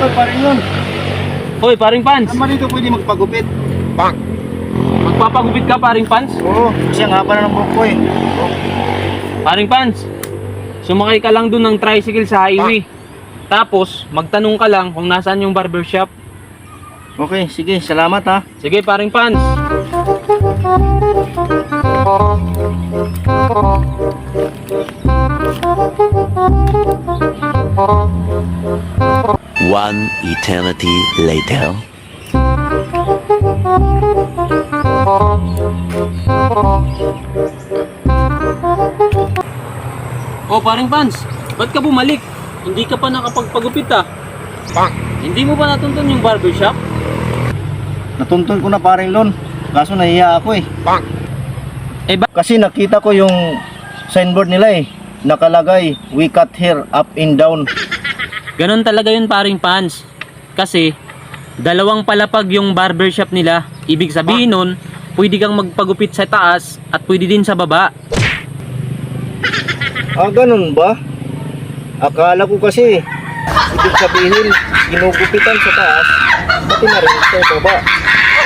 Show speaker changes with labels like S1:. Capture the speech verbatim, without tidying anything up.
S1: Oy, paring yun.
S2: Hoy, paring Pans.
S1: Naman dito pwede magpagupit.
S3: Bang!
S2: Magpapagupit ka, paring Pans?
S1: Oo, kasi ang haba na ng buhok ko eh.
S2: Paring Pans, sumakay ka lang dun ng tricycle sa highway. Tapos, magtanong ka lang kung nasaan yung barbershop.
S1: Okay, sige, salamat ha.
S2: Sige, paring Pans.
S4: One eternity later.
S2: Oh, paring Pans, ba't ka bumalik? Hindi ka pa nakapagpagupit ah.
S3: Bang!
S2: Hindi mo ba natuntun yung barbershop?
S1: Natuntun ko na paring Lon. Kaso nahiya ako eh.
S3: Bang!
S2: Eh ba?
S1: Kasi nakita ko yung signboard nila eh. Nakalagay, we cut hair up and down.
S2: Ganon talaga yun, paring Pans. Kasi, dalawang palapag yung barbershop nila. Ibig sabihin nun, pwede kang magpagupit sa taas at pwede din sa baba.
S1: Ah, ganun ba? Akala ko kasi, ibig sabihin, ginugupitan sa taas, pati na rin sa baba.